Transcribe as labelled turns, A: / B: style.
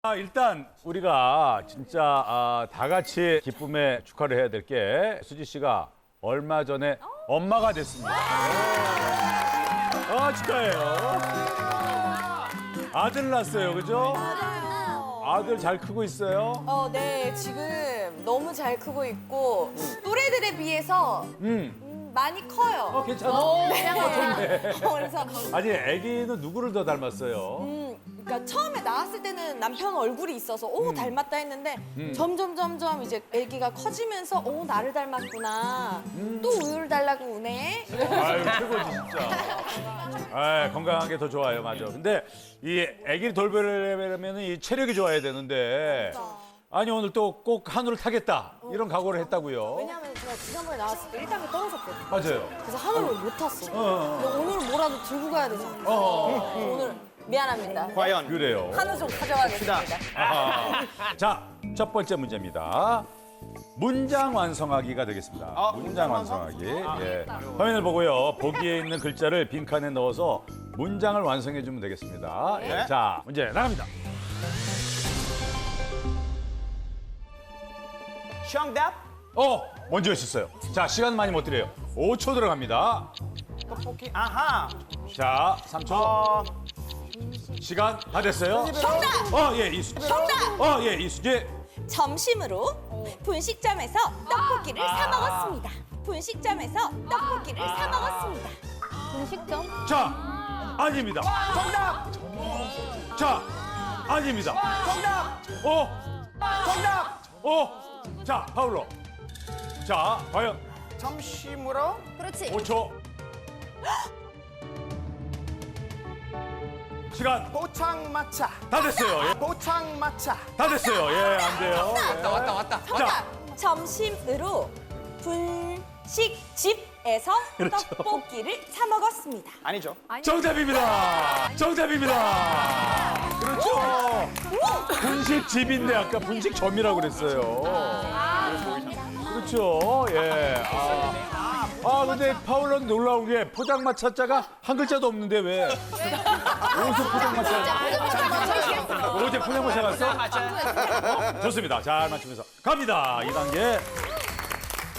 A: 일단 우리가 진짜 다 같이 기쁨에 축하를 해야 될 게 수지 씨가 얼마 전에 엄마가 됐습니다. 축하해요. 아들 낳았어요, 그죠? 아들 잘 크고 있어요?
B: 네, 지금 너무 잘 크고 있고 또래들에 비해서 많이 커요.
A: 괜찮아?
B: 네. 그래서
A: 아니, 아기는 누구를 더 닮았어요?
B: 그러니까 처음에 나왔을 때는 남편 얼굴이 있어서 닮았다 했는데 점점 이제 아기가 커지면서 나를 닮았구나. 또 우유를 달라고 우네.
A: 아유, 최고지, 진짜. 건강하게 더 좋아요, 맞아. 근데 이 아기를 돌보려면 이 체력이 좋아야 되는데 아니, 오늘 또 꼭 한우를 타겠다. 이런 각오를 했다고요.
B: 왜냐하면 제가 지난번에 나왔을 때 1단계 떨어졌거든요.
A: 맞아요.
B: 그래서 한우를 못 탔어. 근데 오늘은 뭐라도 들고 가야 되잖아요. 오늘 미안합니다.
C: 과연
A: 그래요.
B: 한우 좀 가져가겠습니다.
A: 자, 첫 번째 문제입니다. 문장 완성하기가 되겠습니다. 문장 완성하기. 예. 화면을 보고요. 보기에 있는 글자를 빈칸에 넣어서 문장을 완성해 주면 되겠습니다. 예. 자, 문제 나갑니다.
C: 정답
A: 먼저 하셨어요. 자, 시간 많이 못 드려요. 5초 들어갑니다.
C: 떡볶이 아하
A: 자, 3초. 시간 다 됐어요.
B: 정답!
A: 예, 이수.
B: 정답!
A: 예, 이수지.
B: 점심으로 분식점에서 떡볶이를 사 먹었습니다. 분식점에서 떡볶이를 사 먹었습니다. 분식점?
A: 자, 아닙니다.
C: 정답
A: 자, 아닙니다.
C: 정답
A: 정답. 자, 파울로. 자, 과연
C: 점심으로
B: 그렇지.
A: 5초. 시간
C: 포장마차
A: 다 됐어요. 예.
C: 포장마차
A: 다 됐어요. 예, 안 돼요.
C: 왔다
A: 자,
B: 점심으로 분식집에서 떡볶이를 사 먹었습니다.
C: 아니죠
A: 정답입니다. 정답입니다. 그렇죠. 분식집인데 아까 분식점이라고 그랬어요. 그렇죠. 예. 근데 파울런 놀라운 게 포장마차자가 한 글자도 없는데 왜? 어디서 포장마차? 어제 포장마차 갔어? 좋습니다. 잘 맞추면서 갑니다. 2단계.